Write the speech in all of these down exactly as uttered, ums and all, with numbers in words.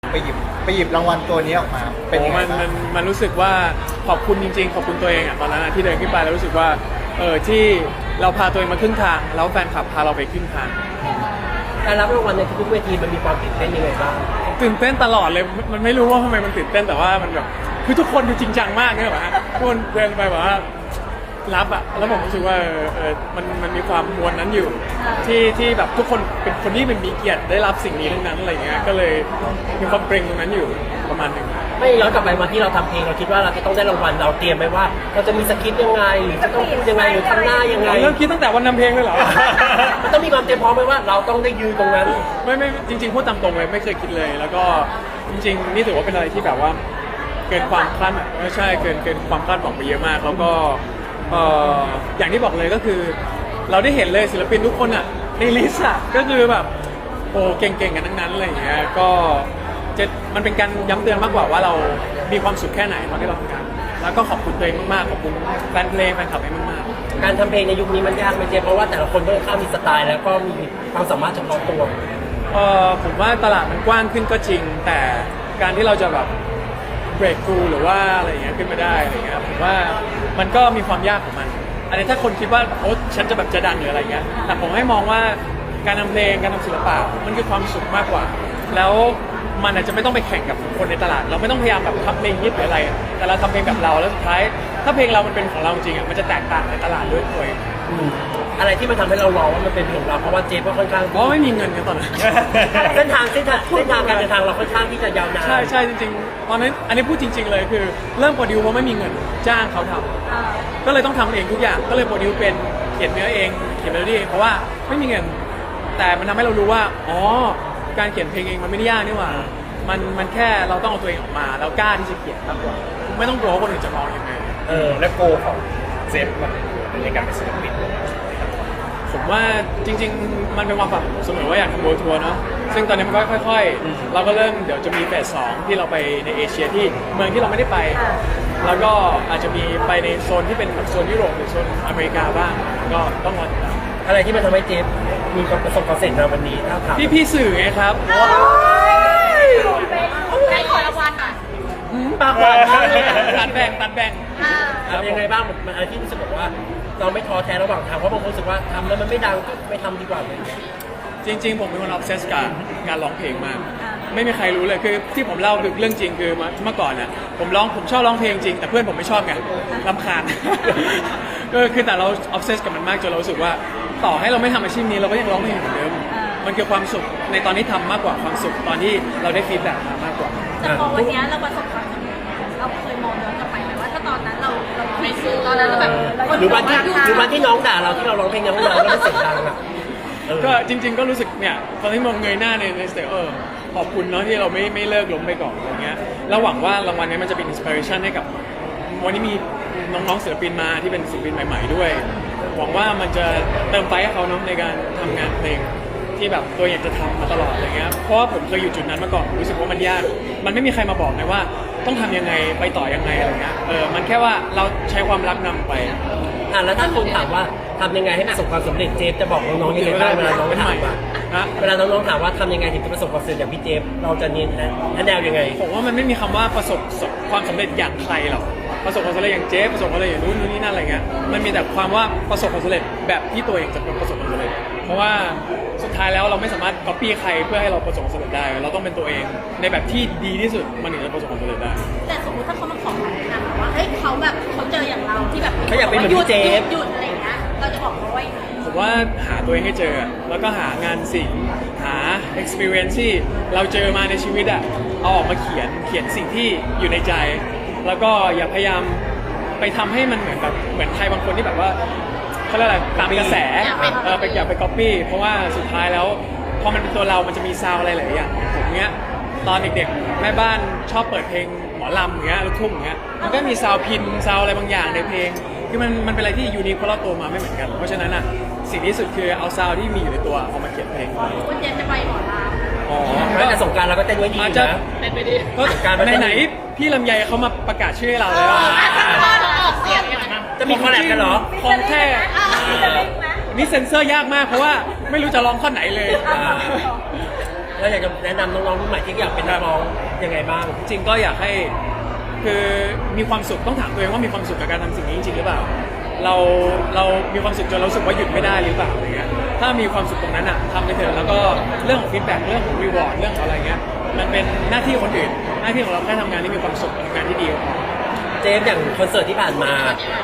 ไปหยิบไปหยิบรางวัลตัวนี้ออกมาเป็นยังไงมันบ้างมันมันรู้สึกว่าขอบคุณจริงๆขอบคุณตัวเองอ่ะตอนนั้นอะที่เดินขึ้นไปแล้วรู้สึกว่าเออที่เราพาตัวเองมาครึ่งทางแล้วแฟนคลับพาเราไปครึ่งทางการรับรางวัลในทุกๆเวทีมันมีความตื่นเต้นยังไงบ้างตื่นเต้นตลอดเลยมันไม่รู้ว่าทำไมมันตื่นเต้นแต่ว่ามันแบบคือทุกคนดูจริงจังมากเนี่ยแบบฮะทุกคนเดินไปแบบว่ารับอะแล้วผมรู้สึกว่าเออมันมันมีความมวลนั้นอยู่ที่ที่แบบทุกคนเป็นคนที่เป็นมีเกียรติได้รับสิ่งนี้ทั้งนั้นอะไรเงี้ยก็เลยมีความเกรงตรงนั้นอยู่ประมาณหนึ่งไม่ย้อนกลับไปวันที่เราทำเพลงเราคิดว่าเราจะต้องได้รางวัลเราเตรียมไหมว่า เราจะมีสคริปต์ยังไงหรือจะต้องพูดยังไงหรือทำหน้ายังไงเริ่มคิดตั้งแต่วันนำเพลงเลยเหรอมันต้องมีความเตรียมพร้อมไหมว่าเราต้องได้ยืนตรงนั้นไม่ไม่จริงๆพูดตามตรงเลยไม่เคยคิดเลย แล้วก็จริงๆนี่ถือว่าเป็นอะไรที่แบบว่าเกินความคาดไม่ใช่เกินเกินความคาดหวังไปเยอะมากแล้วก็เอ่ออย่างที่บอกเลยก็คือ เราได้เห็นเลยศิลปินทุกคนอ่ะในลิสต์อ่ะก็คือแบบโอ้เก่งๆกันทั้งนั้นอะไรอย่างเงี้ยก็จะมันเป็นการย้ำเตือนมากกว่าว่าเรามีความสุขแค่ไหนตอนที่เราทำงานแล้วก็ขอบคุณตัวเองมากๆขอบคุณแฟนเพลงแฟนคลับเองมากๆการทำเพลงในยุคนี้มันยากไหมเจเพราะว่าแต่ละคนก็ค่อนข้างมีสไตล์แล้วก็มีความสามารถเฉพาะตัวเออผมว่าตลาดมันกว้างขึ้นก็จริง แต่การที่เราจะแบบเบรกกูหรือว่าอะไรอย่างเงี้ยขึ้นมาได้อะไรเงี้ยผมว่ามันก็มีความยากของมัน อันนี้ถ้าคนคิดว่าโอ๊ฉันจะแบบจะดังหรืออะไรเงี้ยแต่ผมให้มองว่าการทำเพลงการทำศิลปะมันคือความสุขมากกว่า แล้วมันอาจจะไม่ต้องไปแข่งกับคนในตลาด เราไม่ต้องพยายามแบบทำเพลงฮิตหรืออะไร แต่เราทำเพลงแบบเราแล้วสุดท้ายถ้าเพลงเรามันเป็นของเราจริงอ่ะมันจะแตกต่างในตลาดด้วยตัวเองอืมอะไรที่มันทำให้เรารอว่ามันเป็นของเราเพราะว่าเจฟก็ค่อนข้างเพราะไม่มีเงินกันตอนนั้นเส้นทางเส้นทางเส้นทางการเดินทางเราค่อนข้างที่จะยาวนานใช่ใช่จริงๆตอนนั้นอันนี้พูดจริง ๆเลยคือเริ่มโปรดิวเพราะไม่มีเงินจ้างเขาทำก็เลยต้องทำเองทุกอย่างก็เลยโปรดิวเป็นเขียนเนื้อเองเขียนเมโลดี้เองเพราะว่าไม่มีเงิน แต่มันทำให้เรารู้ว่าอ๋อการเขียนเพลงเองมันไม่ได้ยากนี่หว่ามันมันแค่เราต้องเอาตัวเองออกมาแล้วกล้าที่จะเขียนมากกว่าไม่ต้องกลัวว่าคนอื่นจะมองยังไงเออและโกของเซฟมันในการเป็นศิลปินผมว่าจริงๆมันเป็นความฝันเสมอว่าอยากทำโบทัวร์เนาะซึ่งตอนนี้มันก็ค่อยๆเราก็เริ่มเดี๋ยวจะมีเฟสสองที่เราไปในเอเชียที่เมืองที่เราไม่ได้ไป แล้วก็อาจจะมีไปในโซนที่เป็นโซนยุโรปหรือโซนอเมริกาบ้างก็ต้องรอติดตามอะไรที่มันทำให้เจฟมีความประสบความสำเร็จในวันนี้ถ้าถามพี่พี่ๆสื่อไงครับได้ขอรางวัลอ่ะปากหวานมากเลยอะตัดแบ่งตัดแบ่งทำยังไงบ้างมันอะไรที่รู้สึกแบบว่า เราไม่ท้อแท้ระหว่างทางเพราะบางคนรู้สึกว่าทำแล้วมันไม่ดังก็ไม่ทำดีกว่าเลยจริงๆผมเป็นคนออฟเซสกับการร้องเพลงมาก ไม่มีใครรู้เลยคือที่ผมเล่าคือเรื่องจริงคือเมื่อก่อนเนี่ยผมร้องผมชอบร้องเพลงจริงแต่เพื่อนผมไม่ชอบไงรำคาญ ก็คือแต่เราออฟเซสกับมันมากจนเรารู้สึกว่าต่อให้เราไม่ทำอาชีพนี้เราก็ยังร้องเพลงเหมือนเดิมมันคือความสุขในตอนที่ทำมากกว่าความสุขตอนที่เราได้ฟีดแบ็กมามากกว่าแต่พอวันนี้เราประสบความสำเร็จเราเคยมองย้อนกลับไปไหมว่าถ้าตอนนั้นเราเราไม่ซื้อตอนนั้นเราแบบหรือวันที่หรือวันที่น้องด่าเราที่เราร้องเพลงยังไม่ดังแล้วมันเสียงดังอ่ะเออก็จริง ๆ ก็รู้สึกเนี่ยตอนที่มองเงยหน้าในในสเตจเออขอบคุณเนาะที่เราไม่ไม่เลิกล้มไปก่อนอะไรเงี้ยแล้วหวังว่ารางวัลนี้มันจะเป็นอินสปิเรชันให้กับวันนี้มีน้องๆศิลปินมาที่เป็นศิลปินใหม่ๆด้วยหวังว่ามันจะเติมไฟให้เขาเนาะในการทำงานเพลงที่แบบตัวอยากจะทำมาตลอดอะไรเงี้ยเพราะว่าผมเคยอยู่จุดนั้นมาก่อนรู้สึกว่ามันยากมันไม่มีใครมาบอกเลยว่าต้องทำยังไงไปต่อยังไงอะไรเงี้ยเออมันแค่ว่าเราใช้ความรักนำไปอ่ะแล้วถ้าคนถามว่าทำยังไงให้ประสบความสำเร็จเจฟจะบอกน้องๆยังไงบ้างเวลาน้องถามว่านะเวลาน้องๆถามว่าทำยังไงถึงจะประสบความสำเร็จอย่างพี่เจฟเราจะเนียนแนวยังไงผมว่ามันไม่มีคำว่าประสบความสำเร็จอย่างใครหรอกประสบความสำเร็จอย่างเจ๊ประสบความสำเร็จอย่างนู้นนู้นนี่นั่นอะไรเงี้ยมันมีแต่ความว่าประสบความสำเร็จแบบที่ตัวเองจะประสบความสำเร็จเพราะว่าสุดท้ายแล้วเราไม่สามารถ copy ใครเพื่อให้เราประสบความสำเร็จได้เราต้องเป็นตัวเองในแบบที่ดีที่สุดมันถึงจะประสบความสำเร็จได้แต่สมมติถ้าเขามาขอคำแนะนำว่าเฮ้ยเขาแบบเขาเจออย่างเราที่แบบเขาอยากเป็นเหมือนพี่เจฟหยุดอะไรอย่างเงี้ยเราจะบอกเขาว่ายังไงผมว่าหาตัวเองให้เจอแล้วก็หางานสิ่งหา experience ที่เราเจอมาในชีวิตอะเอาออกมาเขียนเขียนสิ่งที่อยู่ในใจ แล้วก็อย่าพยายามไปทำให้มันเหมือนแบบเหมือนใครบางคนที่แบบว่าเขาเรียกอะไรตามกระแสเออไปอย่าไป copy เพราะว่าสุดท้ายแล้วพอมันเป็นตัวเรามันจะมีซาวอะไรหลายอย่างผมเนี้ยตอนเด็กๆแม่บ้านชอบเปิดเพลงหมอลำอย่างเงี้ยลูกทุ่งอย่างเงี้ยมันก็มีซาวพินซาวอะไรบางอย่างในเพลงคือมันมันเป็นอะไรที่ยูนิคเพราะเราโตมาไม่เหมือนกันเพราะฉะนั้นอ่ะสิ่งที่สุดคือเอาซาวที่มีอยู่ในตัวเอามาเขียนเพลงคุณเจนจะไปหมอลำอ๋อไม่แต่สงกรารเราก็เต้นไว้ดีอาจอยู่จะนะเป็นไปดีก็ไหนๆพี่ลำไยเขามาประกาศชื่อให้เราแล้วออกเสียงยังไงจะมีคอลแลบกันเหรอของแท้จะเล่นไหมนี่เซ็นเซอร์ยากมากเพราะว่าไม่รู้จะร้องข้อไหนเลยอ่าคแล้วอยากจะแนะนำน้องๆรุ่นใหม่ที่อยากเป็นนักร้องยังไงบ้างจริงๆก็อยากให้คือมีความสุขต้องถามตัวเองว่ามีความสุขกับการทำสิ่งนี้จริงๆหรือเปล่าเราเรามีความสุขจนเรารู้สึกว่าหยุดไม่ได้หรือเปล่าอะไรเงี้ยถ้ามีความสุขตรงนั้นอ่ะทำไปเถอะแล้วก็เรื่องของฟีดแบ็กเรื่องของรีวอร์ดเรื่องของอะไรเงี้ยมันเป็นหน้าที่คนอื่นหน้าที่ของเราแค่ทำงานที่มีความสุขทำงานที่ดีก็พอเจฟอย่างคอนเสิร์ตที่ผ่านมา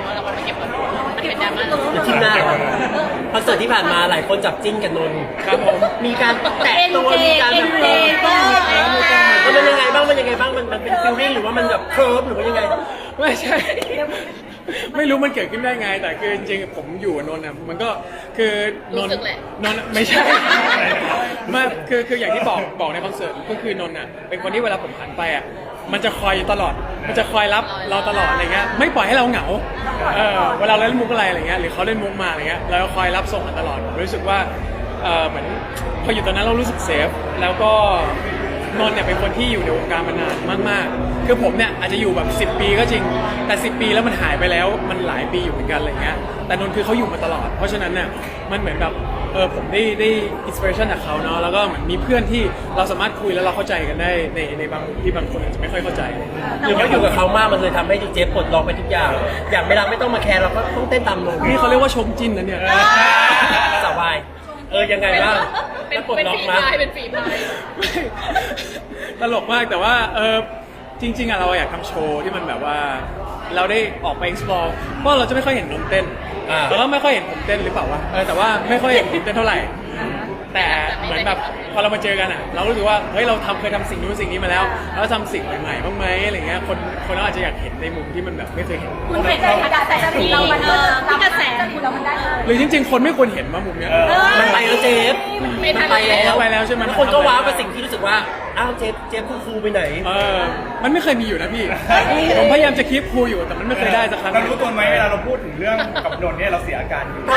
อยู่ที่หน้าเหรอคอนเสิร์ตที่ผ่านมาหลายคนจับจิ้นกับนนท์ครับผมมีการแตะตัวมีการแบบเออมันเป็นยังไงบ้างมันยังไงบ้างมันมันเป็นฟิลลิ่งหรือว่ามันแบบเคิร์ฟหรือว่ายังไงไม่ใช่ ไม่รู้มันเกิดขึ้นได้ไง แต่คือจริงๆผมอยู่กับนนท์อ่ะมันก็คือนนท์นนท์ไม่ใช่ ไมาคือคืออย่างที่บอกบอกในคอนเสิร์ตก็คือนนท์อ่ะเป็นคนที่เวลาผมหันไปอ่ะมันจะคอยอยู่ตลอด มันจะคอยรับเราตลอดอะไรเงี้ยไม่ปล่อยให้เราเหงาเออเวลาเราเล่นมุกอะไรอะไรเงี้ยหรือเขาเล่นมุกมาอะไรเงี้ยเราก็คอยรับส่งกันตลอดผมรู้สึกว่าเออเหมือนพออยู่ตอนนั้นเรารู้สึกเซฟแล้วก็นนท์เนี่ยเป็นคนที่อยู่ในวงการมานานมากๆคือผมเนี่ยอาจจะอยู่แบบสิบปีก็จริงแต่สิบปีแล้วมันหายไปแล้วมันหลายปีอยู่เหมือนกันอะไรเงี้ยแต่นนท์คือเขาอยู่มาตลอดเพราะฉะนั้นเนี่ยมันเหมือนแบบเออผมได้ได้อินสปิเรชันจากเขาเนาะแล้วก็เหมือนมีเพื่อนที่เราสามารถคุยแล้วเราเข้าใจกันได้ในในบางที่บางคนอาจจะไม่ค่อยเข้าใจหรือว่าอยู่กับเขามากมันเลยทำให้เจฟปลดล็อกไปทุกอย่าง อย่างเวลาไม่ต้องมาแคร์เราก็ต้องเต้นตามนนท์นี่เขาเรียกว่าชมจิ้นนะเนี่ยสบายเออยังไงบ้างแล้วปลดล็อกมาเป็นฝีพายตลกมากแต่ว่าเออจริงๆอะเราอยากทำโชว์ที่มันแบบว่าเราได้ออกไป explore เพราะเราจะไม่ค่อยเห็นนนท์เต้นอ่าแล้วก็ไม่ค่อยเห็นผมเต้นหรือเปล่าวะเออแต่ว่าไม่ค่อยเห็นผมเต้นเท่าไหร่ แต่เหมือนแบบพอเรามาเจอกันอ่ะเรารู้สึกว่าเฮ้ยเราทำเคยทำสิ่งนู้นสิ่งนี้มาแล้วแล้วทำสิ่งใหม่ๆบ้างไหมอะไรเงี้ยคนคนเราอาจจะอยากเห็นในมุมที่มันแบบไม่เคยเห็นคุณเคยได้กระแสที่เรามันที่กระแสที่เรามันได้หรือจริงๆ คนไม่ควรเห็นว่ามุมเนี้ยมันไปแล้วเจฟมันไปแล้วไปแล้วใช่ไหมคนก็ว้าวกับสิ่งที่รู้สึกว่าอ้าวเจฟเจฟคูคูไปไหนเออมันไม่เคยมีอยู่นะพี่ผมพยายามจะคีปคูลอยู่แต่มันไม่เคยได้สักครั้งเรารู้ตัวไหมเวลาเราพูดถึงเรื่องกับนนท์เนี่ยเราเสียอาการอยู่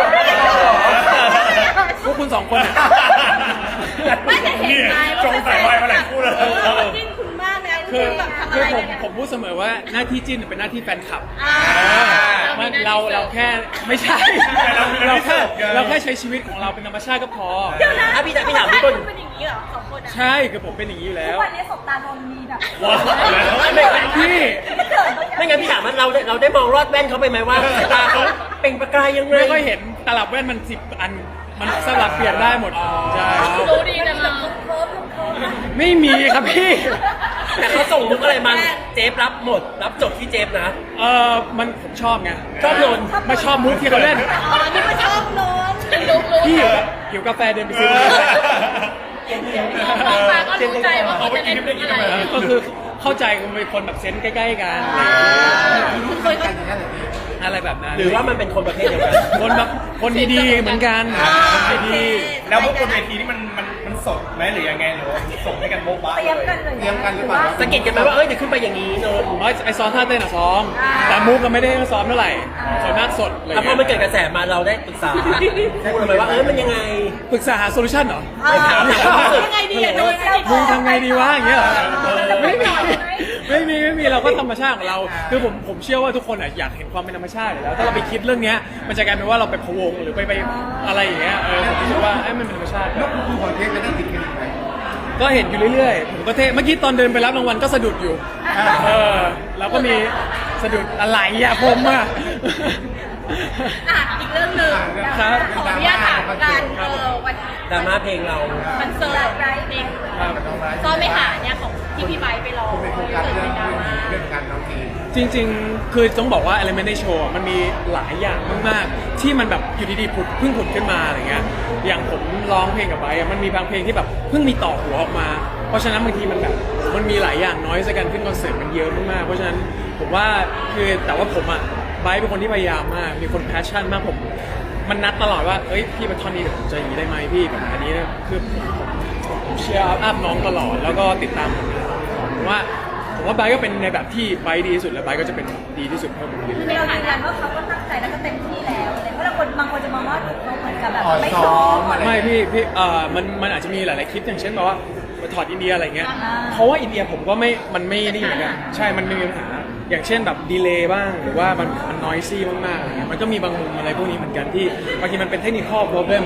พวกคุณสองคนอะไม่จะเห็นไหมจงใส่ไว้มาหลายคู่เลยจิ้นคุณมากนะคือแบบทำอะคือไรผมผมพูดเสมอว่าหน้าที่จิ้นเป็นหน้าที่แฟนคลับอ่ามันเราเราแค่ไม่ใช่ เราแค่เราแค่ใช้ชีวิตของเราเป็นธรรมชาติก็พอเดี๋ยวนะอ่ะพี่ถามพี่ถามพี่ต้นเป็นอย่างนี้เหรอสองคนอ่ะใช่คือผมเป็นอย่างนี้อยู่แล้ววันนี้สบตานนมีแบบไม่ไม่พี่ไม่งั้นพี่ถามว่าเราได้เราได้มองรอดแว่นเขาไปไหมว่าสายตาเขาเปล่งประกายยังไงไม่ค่อยเห็นตลับแว่นมันสิบอันมันสลับเปลี่ยนได้หมดใช่รู้ดีนะเราเคิร์ฟเคิร์ฟนะไม่มีครับพี่แต่เขาส่งมุกอะไรมาเจฟรับหมด รับจบที่เจฟนะเออมันผมชอบไงชอบโดนไม่ชอบมุกที่เขาเล่นอ๋อนี่ก็ชอบนอนรู้รู้พี่หิวกาแฟเดินไปซื้อออกมาก็รู้ใจว่าเขาจะเล่นอะไรก็คือเข้าใจกันเป็นคนแบบเซนส์ใกล้ๆกันเคยก็อะไรแบบนั้นหรือว่ามันเป็นคนประเภทเดียวกันคนแบบคนดีๆเหมือนกันคนดีแล้วพวกบนเวทีนี่มันมันมันสดไหมหรือยังไงหรือว่าส่งให้กันโบ๊ะบ้าเตรียมกันเลยเตรียมกันหรือเปล่าสะกิดกันไหมว่าเอ้ยเดี๋ยวขึ้นไปอย่างนี้โนนๆอ๋อไอซ้อมท่าเต้นอะซ้อม แต่มุกก็ไม่ได้ซ้อมเท่าไหร่ส่วนมากสดอะไรอ่ะพอมันเกิดกระแสมาเราได้ปรึกษาพูดเลยว่าเอ้ยมันยังไงปรึกษาหาโซลูชันเหรอถามหน่อยว่ายังไงดีอ่ะโดนมึงทำไงดีวะอย่างเงี้ยเหรอไม่มีไม่มีไม่มีเราก็ธรรมชาติของเราคือผมผมเชื่อว่าทุกคนอะอยากเห็นความเป็นธรรมชาติอยู่แล้วถ้าเราไปคิดเรื่องเนี้ยมันจะกลายเป็นว่าเราไปพะวงหรือไปไปอะไรอย่างเงี้ยเออผมคิดว่าไอ้ยมันเป็นธรรมชาติคือของเทปจะได้ติดกันอีกไหมก็เห็นอยู่เรื่อยๆผมก็เท่เมื่อกี้ตอนเดินไปรับรางวัลก็สะดุดอยู่เออแล้วก็มีสะดุดอะไรอะผมอะอ่ะอีกเรื่องหนึ่งครับขออนุญาตถามกันเออวันดราม่าเพลงเราคอนเสิร์ตไรเพลงซ้อมไม่หาเนี่ยของที่พี่ไบร์ทไปร้องเป็นโครงเกิการดเรื่เป็องนดราม่าเรื่องการน้องทีจริงๆ คือต้องบอกว่า Element ในโชว์มันมีหลายอย่างมากๆ ที่มันแบบอยู่ดีๆผุดเพิ่งผุดขึ้นมาอะไรเงี้ยอย่างผมร้องเพลงกับไบร์ทอะมันมีบางเพลงที่แบบเพิ่งมีต่อหัวออกมา เพราะฉะนั้นบางทีมันแบบมันมีหลายอย่างน้อยสักกันขึ้นคอนเสิร์ตมันเยอะมากๆเพราะฉะนั้นผมว่าคือแต่ว่าผมอะไบร์ทเป็นคนที่พยายามมากมีคนแพชชั่นมากผมมันนัดตลอดว่าเอ้ยพี่มาท่อนนี้เดี๋ยวผมจะอย่างนี้ได้ไหมพี่แบบอันนี้คือผมผมผมเชียร์อัพน้องตลอดแล้วก็ติดตามผลงานผมว่าผมว่าไบร์ทก็เป็นในแบบที่ไบร์ทดีที่สุดและไบร์ทก็จะเป็นดีที่สุดเพิ่มขึ้นเรายืนยันว่าเขาก็ตั้งใจแล้วก็เต็มที่แล้วเพราะบางคนบางคนจะมองว่าเขาเหมือนกับแบบอ่อนไม่ซ้ซ้ออมมอะไรไม่พี่พี่เอ่อมันมันอาจจะมีหลายๆคลิปอย่างเช่นแบบว่าไปถอดอินเดียอะไรเงี้ยอ่าเพราะว่าอินเดียผมก็ไม่มันไม่นี่เหมือนกันใช่มันไม่มีปัญหาอย่างเช่นแบบดีเลย์บ้างหรือว่ามันมันนอยซี่มากๆอะไรเงี้ยมันก็มีบางมุมอะไรพวกนี้เหมือนกันที่บางทีมันเป็นเทคนิคอลโปรเบม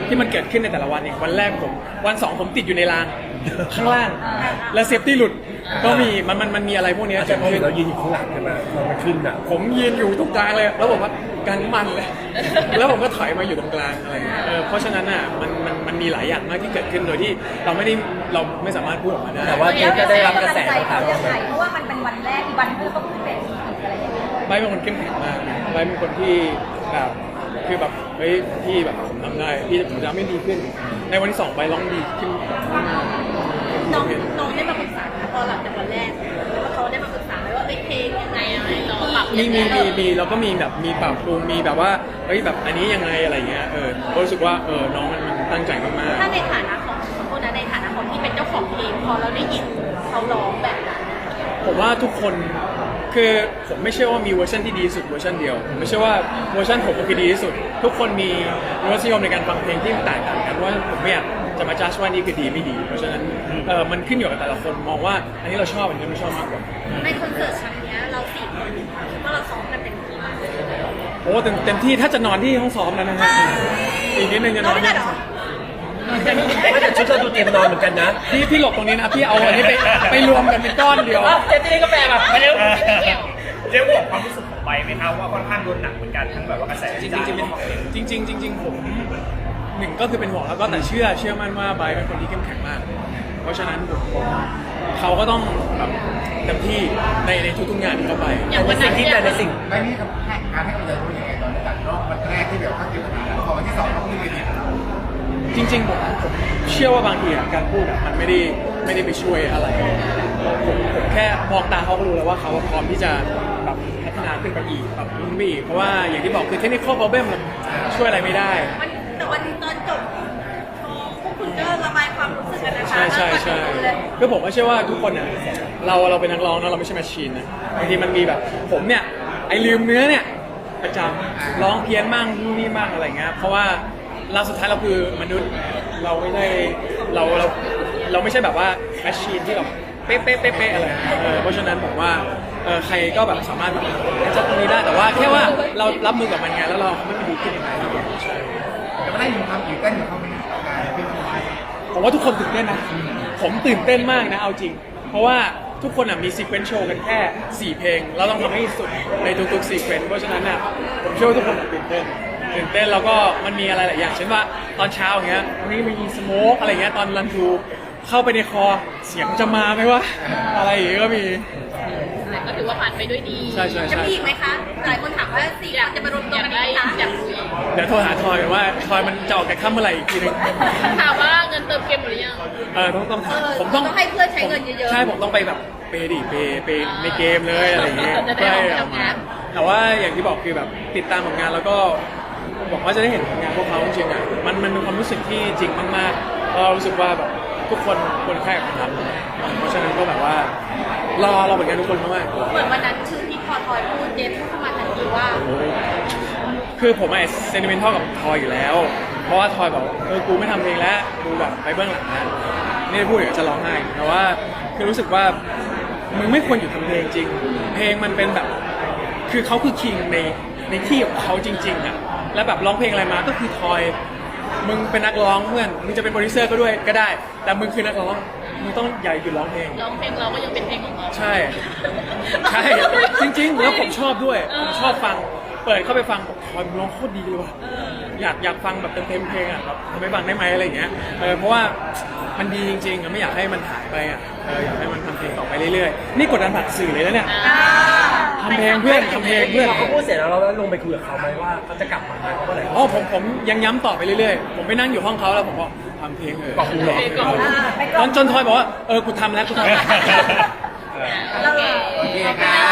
ที่มันเกิดขึ้นในแต่ละวันเองวันแรกผมวันสองผมติดอยู่ในรางข้างล่าง และเซฟตี้หลุดก็มีมันมันมันมีอะไรพวกเนี้ยแต่เกิดพอขึ้นเรายืนอยู่ข้างหลังใช่ไหมพอมันขึ้นอ่ะผมยืนอยู่ตรงกลางเลย แล้วผมว่าการมันเลย แล้วผมก็ถอยมาอยู่ตรงกลางอะไรเงี้ยเออเพราะฉะนั้นอ่ะมันมันมันมีหลายอย่างมากที่เกิดขึ้นโดยที่เราไม่ได้เราไม่สามารถพูดออกมาได้แต่ว่าเจฟก็ได้รับกระแสให้ตามกำลังใจมาเขายังไงเพราะว่ามันเป็นวันแรกอีกวันเพื่อเขาขึ้นเวทีอะไรอย่างเงี้ยไบร์ทเป็นคนเข้มแข็งมากไบร์ทเป็นคนที่แบบคือแบบเฮ้ยพี่แบบผมทำได้พี่ผมจะไม่ดีขึ้น ในวันที่สองไบร์ทร้องดีขึ้นมากน้องน้องได้มาปรึกษาพอหลังจากวันแรกแล้วเขาได้มาปรึกษาไหมว่าเอ้ยเพลงยังไงอะไรเราปรับมีมีมีมีแล้วก็มีแบบมีปรับปรุงมีแบบว่าเฮ้ยแบบอันนี้ยังไงอะไรเงี้ยเออก็รู้สึกว่าเออน้องมันมันตั้งใจมากๆถ้าในฐานะของคนนั้นในฐานะของที่เป็นเจ้าของเพลงพอเราได้ยินเขาร้องแบบนั้นผมว่าทุกคนคือผมไม่เชื่อว่ามีเวอร์ชันที่ดีที่สุดเวอร์ชันเดียวผมไม่เชื่อว่าเวอร์ชันผมคือดีที่สุด ทุกคนมีรสนิยมในการฟังเพลงที่แตกต่างกันว่าผมไม่อยากจะมาจัดว่านี่คือดีไม่ดี เพราะฉะนั้นเออมันขึ้นอยู่กับแต่ละคนมองว่าอันนี้เราชอบอันนี้ไม่ชอบมากกว่าในคอนเสิร์ตครั้งเนี้ยเราสี่คนคิดว่าเราซ้อมกันเต็มที่มากโอ้เต็มเต็มที่ถ้าจะนอนที่ห้องซ้อมแล้วนะฮะอีกนิดนึงจะนเราอนไม่ได้หรอไม่แต่ชุดเราดูเตรียมนอนเหมือนกันนะพี่พี่หลบตรงนี้นะพี่เอาอันนี้ไปไปรวมกันเป็นก้อนเดียวอ้าวเจฟจะเล่นกาแฟป่ะไปเร็วเจ๊บอกความรู้สึกของใบไหมครับว่าค่อนข้างโดนหนักเหมือนกันทั้งแบบว่ากระแสจริงวิๆจารณ์จริงๆจริงๆจริงๆผมหนึ่งก็คือเป็นห่วงแล้วก็แต่เชื่อเชื่อมั่นว่าไบร์ทเป็นคนที่เข้มแข็งมาก เพราะฉะนั้นผมผมเขาก็ต้องแบบเต็มที่ในในทุกๆงานที่เขาไปแต่ในสิ่งที่แต่ในสิ่งไม่นี่กับการให้กำลังใจเขายังไงตอนจากรอบวันแรกที่แบบเขาเจอปัญหาแล้วพอวันที่สองเขาขึ้นเวทีแล้วจริงๆผมผมเชื่อว่าบางทีอะการพูดอะมันไม่ได้ไม่ได้ไปช่วยอะไรผมผมแค่มองตาเขาก็รู้แล้วว่าเขาพร้อมที่จะแบบพัฒนาขึ้นไปอีกแบบขึ้นไปอีกเพราะว่าอย่างที่บอกคือเทคนิคข้อ problem มันช่วยอะไรไม่ได้มันแต่วันตอนจบพอพวกคุณก็ระบายความรู้สึกกันนะคะใช่ใช่ใช่แล้วก็เลยก็ผมก็เชื่อว่าทุกคนเนี่ยเราเราเป็นนักร้องนะเราไม่ใช่แมชชีนนะบางทีมันมีแบบผมเนี่ยไอลืมเนื้อเนี่ยประจำร้องเพี้ยนมั่งนู่นนี่มั่งอะไรเงี้ยเพราะว่าเราสุดท้ายเราคือมนุษย์เราไม่ได้เราเราเราไม่ใช่แบบว่าแมชชีนที่แบบเป๊ะเป๊ะเป๊ะเป๊ะอะไรเออเพราะฉะนั้นผมว่าเออใครก็แบบสามารถแบบจัดตรงนี้ได้แต่ว่าแค่ว่าเรารับมือกับมันไงแล้วเราไม่ไปดีขึ้นยังไงใช่แต่ไม่ได้อยู่ความตื่นเต้นของเขาไม่ได้การเป็นคนไทยผมว่าทุกคนตื่นเต้นนะ ผมตื่นเต้นมากนะเอาจริง เพราะว่าทุกคนอ่ะมีซีเควนซ์โชว์กันแค่สี่เพลง เราต้องทำให้สุดในทุกๆซีเควนซ์เพราะฉะนั้นน่ะผมเชื่อว่าทุกคนตื่นเต้นตื่นเต้นแล้วก็มันมีอะไรหลายอย่างเช่นว่าตอนเช้าอย่างเงี้ยวันนี้มีสโมกอะไรเงี้ยตอนรันทูเข้าไปในคอเสียงจะมาไหมวะอะไรอย่างเงี้ยก็มีแต่ก็ถือว่าผ่านไปด้วยดีใช่ใช่ใช่จะมีอีกไหมคะหลายคนถามว่าสี่คนจะมารวมตัวกันอีกไหมคะอยากรู้เดี๋ยวโทรหาทอยกันว่าทอยมันจะออกจากค่ำเมื่อไหร่อีกทีนึงถามว่าเงินเติมเกมหรือยังเออต้องต้องเออผมต้องต้องให้เพื่อนใช้เงินเยอะๆใช่ผมต้องไปแบบเปย์ดิเปย์เปย์ในเกมเลยอะไรอย่างเงี้ยจะได้ออกไปเพื่อทำงานแต่ว่าอย่างที่บอกคือแบบติดตามผลงานแล้วก็บอกว่าจะได้เห็นผลงานพวกเขาจริงๆอ่ะมันมันเป็นความรู้สึกที่จริงมากๆเรารู้สึกว่าแบบทุกคนควรแค่กับทำเพราะฉะนั้นก็แบบว่ารอเราเหมือนกันทุกคนมากๆเหมือนวันนั้นชื่อที่พอทอยพูดเจฟพูดเข้ามาทันทีว่าคือผมไอ้เซนิเมนทัลกับทอยอยู่แล้ว เพราะว่าทอยบอกเออกูไม่ทำเพลงแล้วกูแบบไปเบื้องหลังนะนี่พูดอย่างจะร้องไห้แต่ว่าคือรู้สึกว่ามึงไม่ควรอยู่ทำเพลงจริง เพลงมันเป็นแบบ คือเขาคือคิงในในที่ของเขาจริงๆอ่ะแล้วแบบร้องเพลงอะไรมาก็คือทอยมึงเป็นนักร้องเพื่อนมึงจะเป็นโปรดิวเซอร์ก็ด้วยก็ได้ แต่มึงคือนักร้องมึงต้องใหญ่หยุดร้องเพลงร้องเพลงเราก็ยังเป็นเพลงของเราใช่ ใช่จริงๆ แล้วผมชอบด้วยผมชอบฟังเปิดเข้าไปฟังบอกทอยมึงร้องโคตรดีเลยว่ะอยากอยากฟังแบบเต็มๆเพลงอ่ะแบบทำให้ฟังได้ไหมอะไรอย่างเงี้ยเออเพราะว่ามันดีจริงๆอะไม่อยากให้มันหายไปอ่ะเอออยากให้มันทำเพลงต่อไปเรื่อยๆนี่กดดันผ่านสื่อเลยนะเนี่ยทำเพลงเพื่อนทำเพลงเพื่อนพอเขาพูดเสร็จแล้วเราได้ลงไปคุยกับเขาไหมว่าเขาจะกลับมาไหมเมื่อไหร่อ๋อผมผมยังย้ำต่อไปเรื่อยๆผมไปนั่งอยู่ห้องเขาแล้วผมบอกทำเพลงเออบอกกูเหรอตอนจนทอยบอกว่าเออกูทำแล้วกูทำแล้วโอเคโอเคครับ